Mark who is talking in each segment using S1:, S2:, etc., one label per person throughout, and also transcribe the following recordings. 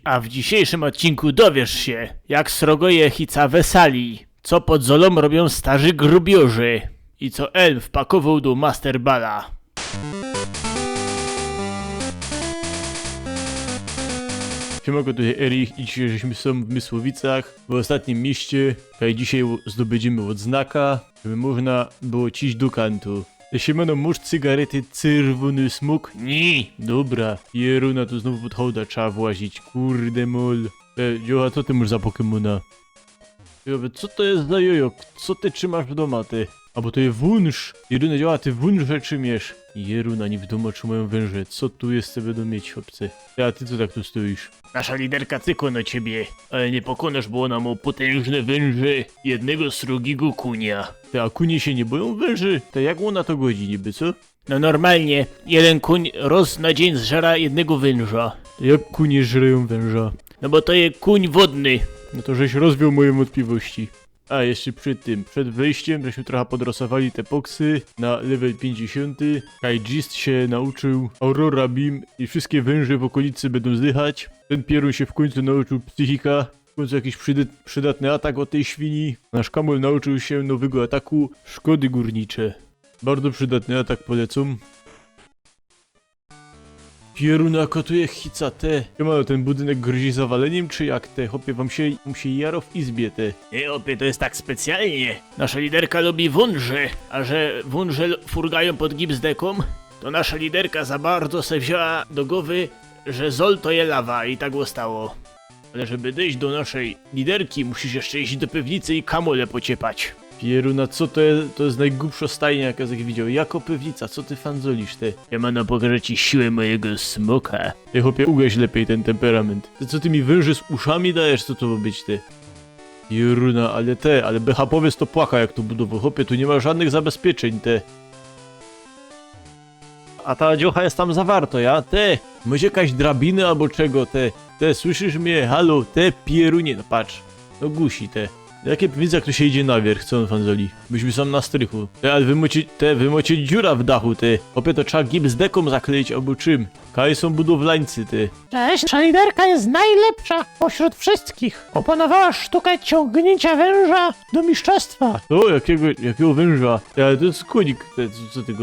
S1: A w dzisiejszym odcinku dowiesz się, jak srogoje hica wesali, co pod Zolą robią starzy grubiorzy i co elf pakował do Masterbala. Siemanko, tutaj Erich i dzisiaj żeśmy są w Mysłowicach, w ostatnim mieście, a dzisiaj zdobędziemy odznaka, żeby można było ciść do kantu. Siemano, masz cygarety czerwony smok? Nie. Dobra. Jeruna, tu znowu pod hołda trzeba włazić. Kurde mol. Joa, co ty masz za Pokemona? Co to jest za jojo? Co ty trzymasz w domu, ty? A bo to jest wunsz. Jeruna, działa, ty wunsze trzymiesz. Jeruna, nie w domu trzymają węże. Co tu jest, będą mieć, chłopcy? A ty co tak tu stoisz? Nasza liderka cykła na ciebie, ale nie pokonasz, bo ona ma potężne węże. Jednego srogiego kunia. A kunie się nie boją węży? To jak ona to godzi niby, co? No normalnie, jeden kuń roz na dzień zżera jednego węża. To jak kunie żreją węża? No bo to jest kuń wodny. No to żeś rozwiał moje wątpliwości. A jeszcze przed wejściem, żeśmy trochę podrosowali te poksy na level 50. Kaijist się nauczył Aurora Beam i wszystkie węże w okolicy będą zdychać. Ten pierun się w końcu nauczył psychika. W końcu jakiś przydatny atak od tej świni. Nasz Kamol nauczył się nowego ataku szkody górnicze. Bardzo przydatny atak, polecam. Pieruna kotuje hica te. Siemano, ten budynek grozi zawaleniem, czy jak te? Hopie, wam się jaro w izbie te. Nie, hopie, to jest tak specjalnie. Nasza liderka lubi wąże, a że wąże furgają pod gipsdeką, to nasza liderka za bardzo se wzięła do głowy, że Zol to je lawa i tak zostało. Ale żeby dojść do naszej liderki, musisz jeszcze iść do piwnicy i kamole pociepać. Pieruna, co to jest? To jest najgłupsza stajnia, jaka jak widział. Jako pewnica, co ty fanzolisz, ty? Ja mam pokażę ci siłę mojego smoka. Ty chłopie, ugaś lepiej ten temperament. Ty co ty mi węży z uszami dajesz, co to ma być, ty? Pieruna, ale BHP-owiec to płaka, jak to budował. Chłopie, tu nie ma żadnych zabezpieczeń, te. A ta dziocha jest tam zawarto, ja? Te, może jakaś drabiny albo czego, te, słyszysz mnie? Halo, te pierunie, no patrz. No gusi, te. Jakie widzę, jak tu się idzie na wierch, co on fanzoli? Byśmy są na strychu. Ale wy macie dziura w dachu, ty. Opie to trzeba gipsdeką zakleić, albo czym? Kaj są budowlańcy, ty.
S2: Cześć, nasza liderka jest najlepsza pośród wszystkich. Opanowała sztukę ciągnięcia węża do mistrzostwa.
S1: O, jakiego węża? Ale to jest konik, co ty go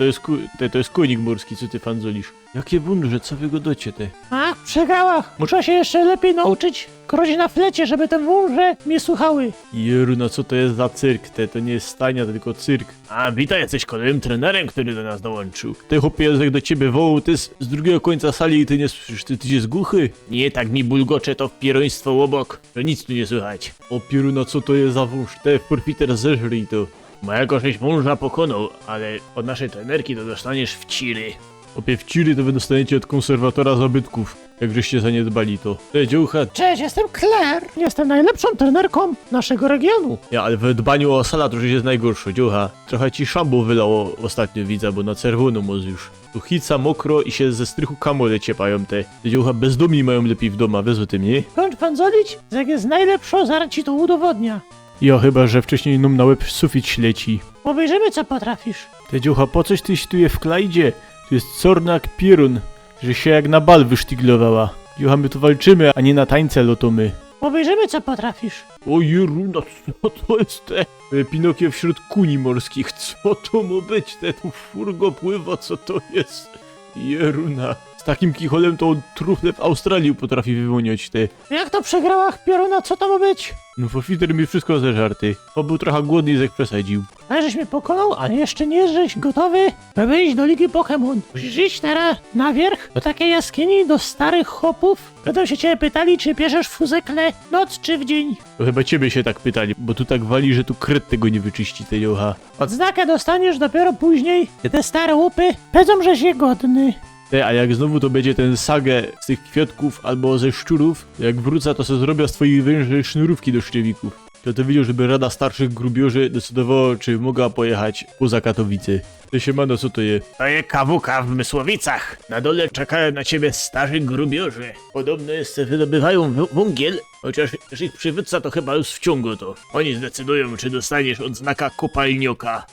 S1: to jest konik morski, co ty fanzolisz? Jakie węże, co wy go docie, te?
S2: A, przegrała. Muszę się jeszcze lepiej nauczyć krodzić na flecie, żeby te węże mnie słuchały.
S1: Jeruna, co to jest za cyrk, te? To nie jest stajnia, to tylko cyrk. A, witaj, jesteś kolejnym trenerem, który do nas dołączył. Ty chłopie, jak do ciebie wołał, ty z drugiego końca sali i ty nie słyszysz, ty jest głuchy? Nie, tak mi bulgocze to wpieroństwo obok, że nic tu nie słychać. O Pieruna, co to jest za wąż? Te, porfiter, zeżryj to. Mojego żeś wąża pokonał, ale od naszej trenerki to dostaniesz w ciry. Opie w ciry to wy dostaniecie od konserwatora zabytków, jak żeście zaniedbali to. Dziołcha.
S2: Cześć, jestem Claire. Jestem najlepszą trenerką naszego regionu.
S1: Ja, ale w dbaniu o sala to już jest najgorsze, dziołcha. Trochę ci szambo wylało ostatnio, widzę, bo na czerwono moc już. Tu hica mokro i się ze strychu kamole ciepają te. Dziołcha bezdomni mają lepiej w domu, wiesz o tym, nie?
S2: Kończ fanzolić, jak jest najlepszą, zaraz ci to udowodnia.
S1: Ja chyba, że wcześniej nam na łeb sufit śleci.
S2: Obejrzymy, co potrafisz.
S1: Te dziołcha, po coś tyś tu je w klajdzie? Tu jest corna jak pierun, że się jak na bal wysztyglowała. Dziołcha, my tu walczymy, a nie na tańce lotomy.
S2: Obejrzymy, co potrafisz.
S1: O Jeruna, co to jest te? Pinokio wśród kuni morskich, co to ma być? Te tu furgo pływa, co to jest? Jeruna. Z takim kicholem to on trufle w Australii potrafi wyłoniać te.
S2: Jak to przegrała pioruna, co to ma być?
S1: No forfiter mi wszystko ze żarty. On był trochę głodny i jak przesadził.
S2: Ale żeś mnie pokonał, ale jeszcze nie jesteś gotowy, by wyjść do Ligi Pokémon. Musisz iść teraz na wierch do takiej jaskini, do starych chłopów. Będą się ciebie pytali, czy bierzesz fuzekle noc czy w dzień.
S1: To chyba ciebie się tak pytali, bo tu tak wali, że tu kret tego nie wyczyści, te jocha.
S2: Odznakę dostaniesz dopiero później, gdy te stare łupy powiedzą, żeś je godny.
S1: A jak znowu to będzie ten sagę z tych kwiatków albo ze szczurów, jak wrócę, to sobie zrobię z twoich węży sznurówki do szczewików. To widział, żeby Rada Starszych Grubiorzy decydowała, czy mogła pojechać poza Katowice. To siemano, co to je? To je kawuka w Mysłowicach. Na dole czekają na ciebie starzy grubiorzy. Podobno jeszcze wydobywają węgiel, chociaż ich przywódca to chyba już w ciągu to. Oni zdecydują, czy dostaniesz odznaka kopalnioka.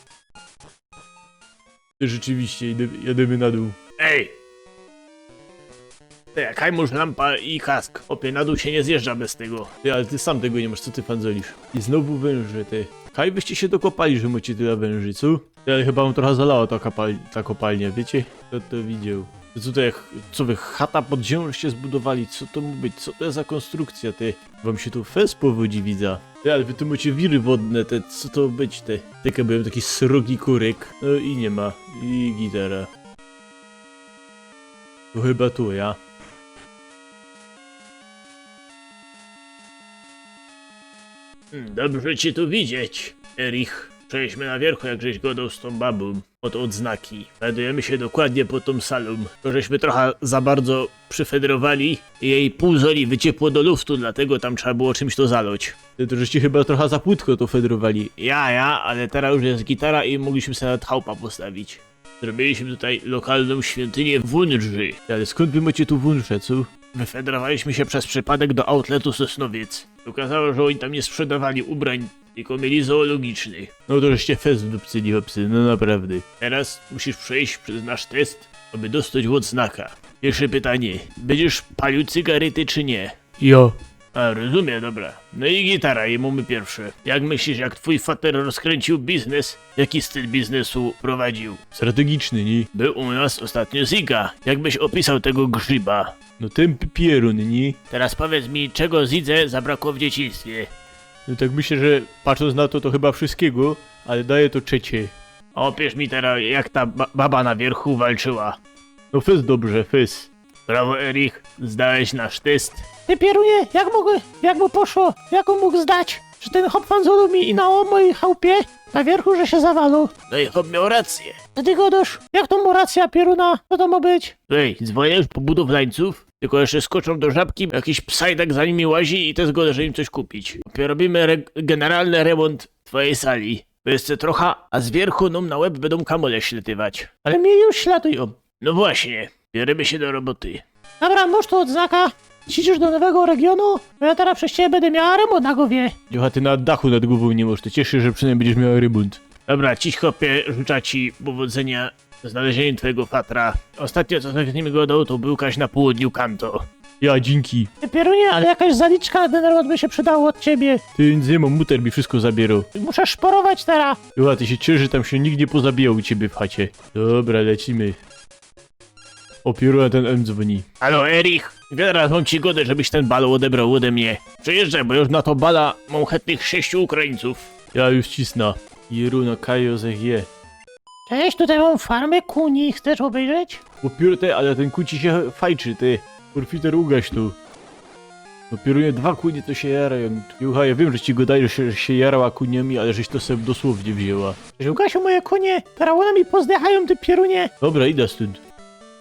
S1: Rzeczywiście, jedziemy na dół. Ej! Kajmusz, lampa i kask. Opie, na dół się nie zjeżdża bez tego. Ty, ale ty sam tego nie masz, co ty fanzolisz? I znowu węże, ty. Kaj byście się dokopali, że macie tyle węży, co? Ty, ale chyba wam trochę zalała ta kopalnia, wiecie? Kto to widział? To co to jak, co wy, chata pod ziemią się zbudowali? Co to ma być? Co to jest za konstrukcja, ty? Wam się tu fez powodzi, widza. Ty, ale wy tu macie wiry wodne, te, co to być, te? Tylko byłem taki srogi kurek. No i nie ma. I gitara. To chyba tu, ja. Dobrze cię tu widzieć, Erich. Przejdźmy na wierchu, jak żeś godał z tą babą. Od odznaki. Znajdujemy się dokładnie pod tą salą. To żeśmy trochę za bardzo przyfederowali i jej pół zoli wyciepło do luftu, dlatego tam trzeba było czymś to zaloć. Ty to żeście chyba trochę za płytko to federowali. Ja, ale teraz już jest gitara i mogliśmy sobie nawet chałupa postawić. Zrobiliśmy tutaj lokalną świątynię wunży. Ale skąd wy macie tu wunże, co? Wyfederowaliśmy się przez przypadek do outletu Sosnowiec. Okazało, że oni tam nie sprzedawali ubrań, tylko mieli zoologiczny. No to żeście fest wdupcyli, hopsy, no naprawdę. Teraz musisz przejść przez nasz test, aby dostać odznaka. Pierwsze pytanie. Będziesz palił cygarety czy nie? Jo. A, rozumiem, dobra. No i gitara, i mamy pierwsze. Jak myślisz, jak twój fater rozkręcił biznes? Jaki styl biznesu prowadził? Strategiczny, nie? Był u nas ostatnio Ziga. Jakbyś opisał tego grzyba? No ten pierun, nie? Teraz powiedz mi, czego Zidze zabrakło w dzieciństwie? No tak myślę, że patrząc na to, to chyba wszystkiego, ale daję to trzecie. Opisz mi teraz, jak ta baba na wierchu walczyła. No fez dobrze, fez. Brawo, Erich, zdałeś nasz test.
S2: Ty Pierunie, jak mu poszło? Jak on mógł zdać? Że ten hop fanzolu mi i na mojej chałupie na wierchu, że się zawalał.
S1: No i hop miał rację.
S2: To ty godosz? Jak to mu racja, Pieruna? Co to ma być?
S1: Ej, dzwonisz po budowlańców? Tylko jeszcze skoczą do żabki, jakiś psajdak za nimi łazi i to zgoda, że im coś kupić. Robimy generalny remont twojej sali. To jest trochę, a z wierchu nam na łeb będą kamole śletywać.
S2: Ale mnie już śladują.
S1: No właśnie, bierzemy się do roboty.
S2: Dobra, masz tu odznaka. Siedzisz do nowego regionu? Bo ja teraz przez ciebie będę miała remont na głowie.
S1: Jocha, ty na dachu nad głową nie możesz, to cieszę, że przynajmniej będziesz miał remont. Dobra, ciś chłopie, życzę ci powodzenia w znalezieniu twojego fatra. Ostatnio co z nim gadał, to był kaś na południu Kanto. Ja, dzięki.
S2: Ty Pierunie, ale jakaś zaliczka na ten remont by się przydała od ciebie.
S1: Ty nic nie mam, muter mi wszystko zabierał.
S2: Muszę szporować teraz.
S1: Jocha, ty się cieszy, że tam się nikt nie pozabijał u ciebie w chacie. Dobra, lecimy. Opieruję ten M dzwoni. Halo, Erich. Teraz mam ci godę, żebyś ten bal odebrał ode mnie. Przyjeżdżaj, bo już na to bala mam chętnych 6 Ukraińców. Ja już cisna. Jeruna Kajo je.
S2: Cześć, tutaj mam farmę kuni. Chcesz obejrzeć?
S1: Upiórte, ale ten kuci się fajczy, ty. Kurfiter, ugaś tu. Opieruję 2 kunie, to się jarają. Jucha, ja wiem, że ci godaje, że się jarała kuniami, ale żeś to sobie dosłownie wzięła.
S2: Żółkasiu, moje konie. Teraz one mi pozdychają, ty Pierunie.
S1: Dobra, idę stąd.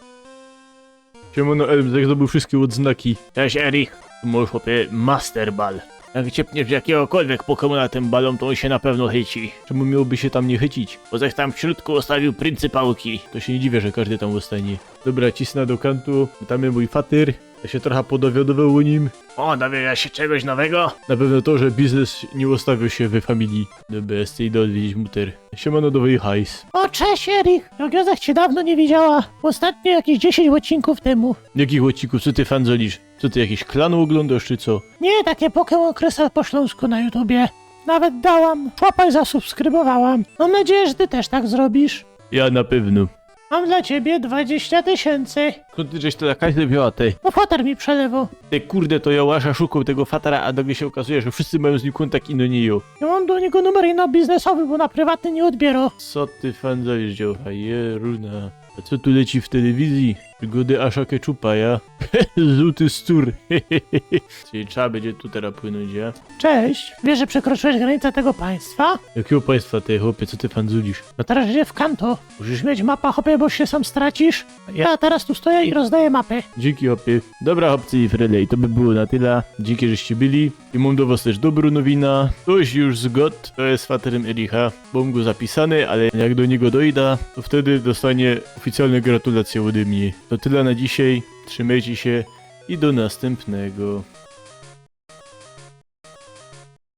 S1: Siemano Elm, zdobył wszystkie odznaki. Cześć Erich. Tu możesz chłopie Master Ball. Jak ciepniesz jakiegokolwiek Pokemona tym balą, to on się na pewno chyci. Czemu miałby się tam nie chycić? Bo zaś tam w środku ostawił pryncypałki. To się nie dziwię, że każdy tam ostanie. Dobra, cisnę do kantu. Tam jest mój fatyr. Ja się trochę podowiadował o nim. O, dowiada się czegoś nowego? Na pewno to, że biznes nie ustawił się we familii. Dobra, z tej odwiedzić muter. Siemano, nowy hajs.
S2: O, cześć, Erik. Jogozach cię dawno nie widziała. Ostatnio jakieś 10 odcinków temu.
S1: Jakich odcinków? Co ty fanzolisz? Co ty, jakiś klan oglądasz, czy co?
S2: Nie, takie Pokémon Krysa po śląsku na YouTubie. Nawet dałam. Łapaj, zasubskrybowałam. Mam nadzieję, że ty też tak zrobisz.
S1: Ja na pewno.
S2: Mam dla ciebie 20 000.
S1: Skąd ty żeś to jakaś wzięła, ty?
S2: No fatar mi przelewał.
S1: Ty kurde, to ja łasza szukał tego fatara, a nagle się okazuje, że wszyscy mają z nim kontakt i no nie ją.
S2: Ja mam do niego numer na biznesowy, bo na prywatny nie odbiera.
S1: Co ty fanzolisz, dziołcha? Jeruna. A co tu leci w telewizji? Przygody Asza Keczupa, ja? Złoty stur. Czyli trzeba będzie tu teraz płynąć, ja?
S2: Cześć. Wiesz, że przekroczyłeś granicę tego państwa?
S1: Jakiego państwa, ty chłopie, co ty fanzulisz?
S2: No teraz idzie w Kanto. Musisz mieć mapę, hopie, bo się sam stracisz. Ja teraz tu stoję i rozdaję mapę.
S1: Dzięki, hopie. Dobra, chłopcy i Frelej, to by było na tyle. Dzięki, żeście byli. I mam do was też dobrą nowina. Ktoś już zgod, to jest faterem Ericha. Mam go zapisany, ale jak do niego dojdę, to wtedy dostanie oficjalne gratulacje ode mnie. To tyle na dzisiaj. Trzymajcie się i do następnego.